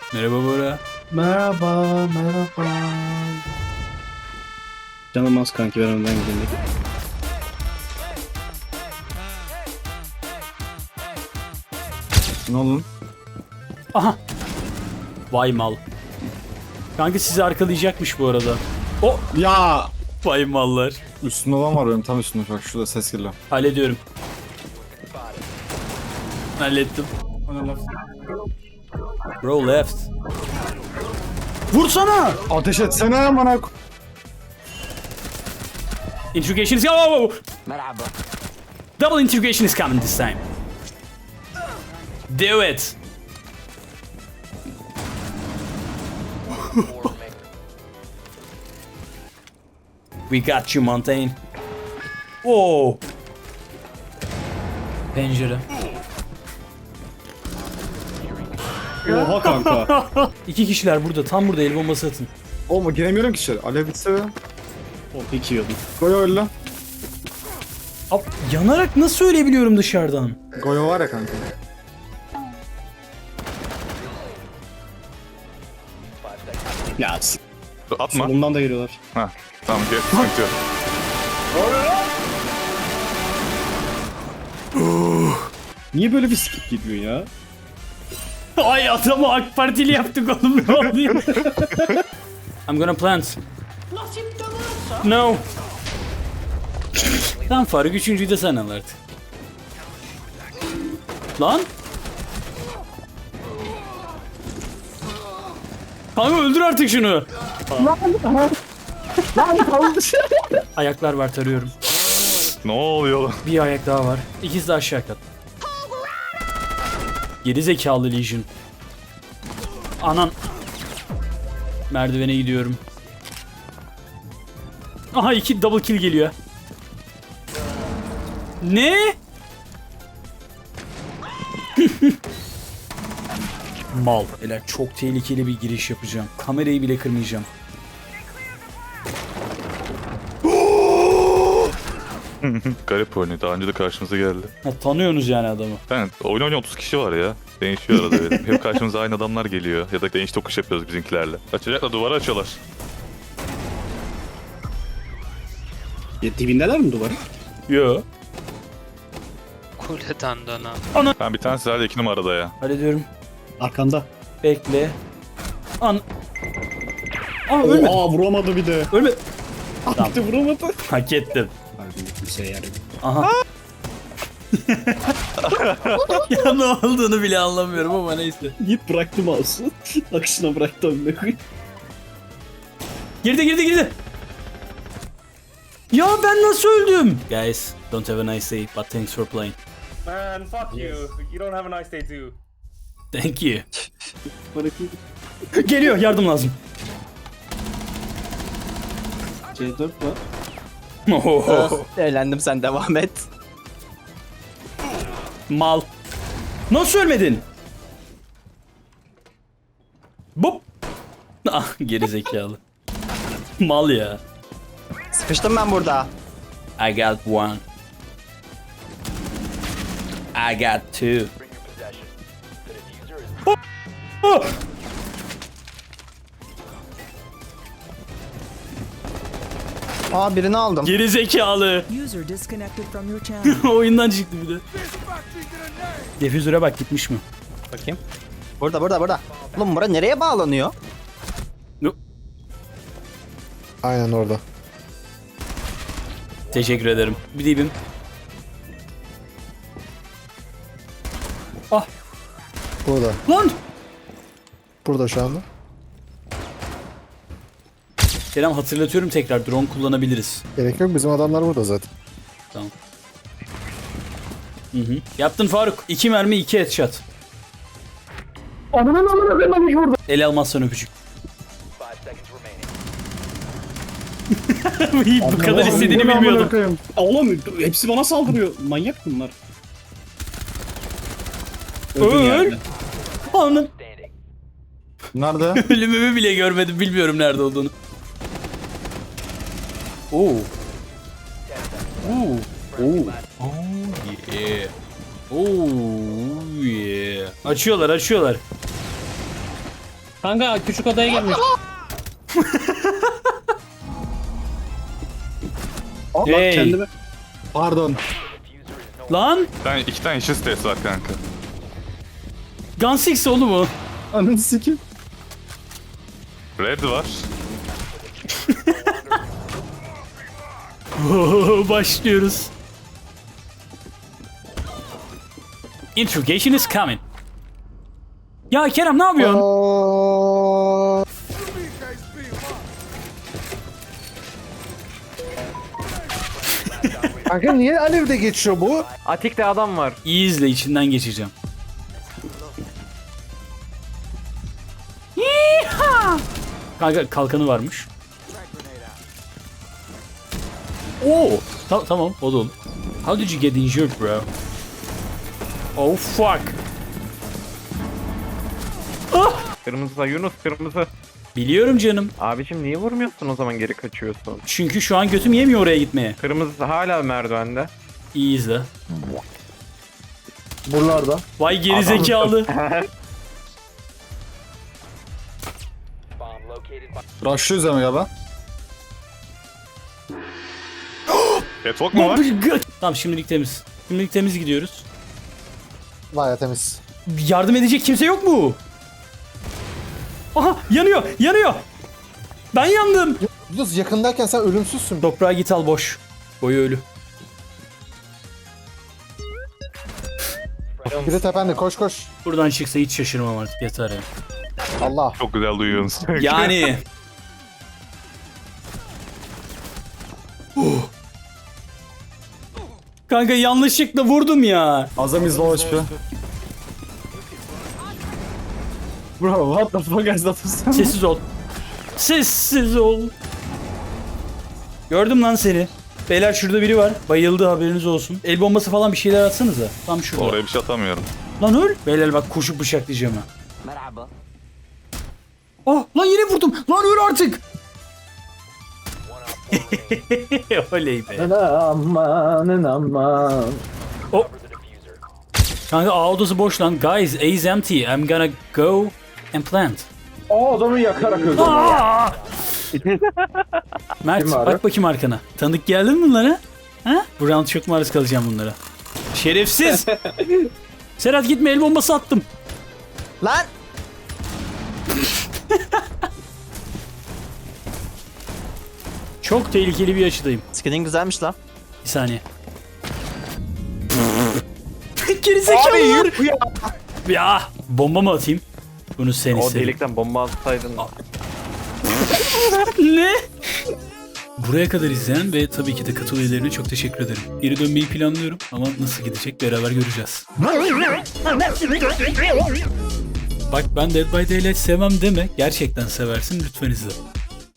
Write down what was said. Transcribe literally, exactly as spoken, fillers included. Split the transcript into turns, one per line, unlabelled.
Merhaba Bora.
Merhaba, merhaba. Canım az kanki, ben önden gideyim.
Ne oldu?
Aha. Vay mal. Kanka sizi arkalayacakmış bu arada. O
Ya!
vay mallar.
Üstünde adam var benim, tam üstünde. Bak şurada ses geliyor.
Hallediyorum. Hallettim. Bro left. Vursana.
Ateş etsene bana.
Interrogation is oh! Double interrogation is coming this time. Do it. We got you, Montaigne. Whoa. Pencere.
Oha kanka.
İki kişiler burada. Tam burada el bombası atın.
Oğlum giremiyorum ki içeri. Alev bitse be.
O peki yiyordum.
Goyo öyle.
Ab, yanarak nasıl ölebiliyorum dışarıdan?
Goyo var ya kanka.
Ya s-
Atma.
solumdan da geliyorlar.
Ha, tamam gel. Sıkıntı yok.
Niye böyle bir skip gidiyor ya?
Ay adamı AK Partili yaptık oğlum, ne oluyor? I'm gonna plant. No. Tamam Faruk, üçüncüyü de sen al artık. Lan. Kanka öldür artık şunu. Ayaklar var, tarıyorum.
Ne oluyor lan?
Bir ayak daha var. İkisi de aşağı kat. Geri zekalı Legion. Anan. Merdivene gidiyorum. Aha, iki double kill geliyor. Ne? Mal. Beyler çok tehlikeli bir giriş yapacağım. Kamerayı bile kırmayacağım.
Garip oynuyor. Daha önce de karşımıza geldi.
Ha, tanıyorsunuz yani adamı.
Ben oyun oynayan otuz kişi var ya. Değişiyor arada benim. Hep karşımıza aynı adamlar geliyor. Ya da değiş tokuş yapıyoruz bizimkilerle. Açacaklar, duvarı açıyorlar.
Ya, dibindeler mi duvarı?
Yo.
Kuleden dönen.
Ben bir tanesi hala iki numarada ya.
Hallediyorum.
Arkanda.
Bekle. An... Aa ölme.
Aa, vuramadı bir de.
Ölme.
Tamam. Bir de vuramadı.
Hak ettim.
Harbiden kimseye yarıyor.
Aha. Ya ne olduğunu bile anlamıyorum ama neyse.
Git bıraktı mouse'u. Akışına bıraktı önüne koy.
Girdi girdi girdi. Ya ben nasıl öldüm? Guys, don't have a nice day, but thanks for playing.
Man, fuck you. You don't have a nice day too.
Thank you.
Bırakayım.
Geliyor, yardım lazım.
C dört var.
Ohoho.
Eğlendim, sen devam et.
Mal. Nasıl ölmedin? Bop. Ah, geri zekalı. Mal ya.
Sıkıştım ben burada.
I got one. I got two. Oh! Oh!
Aa, birini aldım.
Geri zekalı.
User disconnected from your channel.
Oyundan çıktı bir de. Defüzöre bak, gitmiş mi?
Bakayım. Burada burada burada. Oğlum bura nereye bağlanıyor?
No.
Aynen orada.
Teşekkür ederim. Bir dibim. Ah
Burada.
lan.
Burada şu anda.
Kerem, hatırlatıyorum tekrar, drone kullanabiliriz.
Gerek yok, bizim adamlar burada zaten.
Tamam. Hı hı. Yaptın Faruk. İki mermi, iki headshot. Ananın amına koymamış burada. El almazsan öpücük. Bu kadar istediğini bilmiyordum.
Oğlum hepsi bana saldırıyor. Manyak bunlar. Öldüm
Öl.
yani.
Anam.
Nerede?
Ölümümü bile görmedim. Bilmiyorum nerede olduğunu. Oo. Oo. Oo. Oh yeah. Oh yeah. Açıyorlar, açıyorlar.
Kanka küçük odaya gelmiş.
Hey.
Kendime.
Pardon.
Lan
Bir tane, iki tane işi stres var kanka.
Gun Six oğlum o.
Ananı sikeyim.
Red var.
Başlıyoruz. Interrogation is coming. Ya Kerem ne yapıyorsun?
Aa, Kanka niye alevde geçiyor bu?
Atik'te adam var.
İyi izle, içinden geçeceğim. Yeeha! Kanka kalkanı varmış. Oo, ta- tamam o da olur. How did you get injured bro? Oh fuck.
Kırmızı Yunus kırmızı.
Biliyorum canım.
Abicim niye vurmuyorsun o zaman geri kaçıyorsun?
Çünkü şu an götüm yemiyor oraya gitmeye.
Kırmızı hala merdivende.
İyi izle.
Buralarda.
Vay geri zekalı.
Rushlıyoruz ama ya ben.
Catwalk mu var?
Tamam şimdilik temiz. Şimdilik temiz gidiyoruz.
Baya temiz.
Yardım edecek kimse yok mu? Aha yanıyor yanıyor. Ben yandım.
Yunus yakındayken sen ölümsüzsün.
Toprağa git al boş. Boyu ölü.
Biri tepende koş koş.
Buradan çıksa hiç şaşırmam artık yeter ya.
Allah.
Çok güzel duyuyorsunuz.
Yani. Kanka yanlışlıkla vurdum ya.
Azamiz low H P.
Bro what the fuck is that?
Sessiz ol. Sessiz ol. Gördüm lan seni. Beyler şurada biri var. Bayıldı haberiniz olsun. El bombası falan bir şeyler atsanıza. Tam şurada.
Oraya bir şey atamıyorum.
Lan öl. Beyler bak koşup bıçaklayacağım ha. Merhaba. Oh lan yine vurdum. Lan öl artık. Oley be.
Aman aman.
Kanka A odası boş lan. Guys, A is empty. I'm gonna go and plant.
O adamı yakarak öldü.
Aa! Mert
Kim var?
bak bakayım arkana. Tanıdık geldi mi bunlara? Ha? Bu round çok maruz kalacağım bunlara. Şerefsiz. Serhat gitme el bombası attım.
Lan!
Çok tehlikeli bir açıdayım.
Skinin güzelmiş lan.
Bir saniye. Gerizekalılar.
ya.
Ya bomba mı atayım? Bunu sen
O
istedin.
delikten bomba atsaydın.
Ne? Buraya kadar izleyen ve tabii ki de katıl üyelerine çok teşekkür ederim. Geri dönmeyi planlıyorum ama nasıl gidecek beraber göreceğiz. Bak ben Dead by Daylight sevmem deme. Gerçekten seversin, lütfen izle.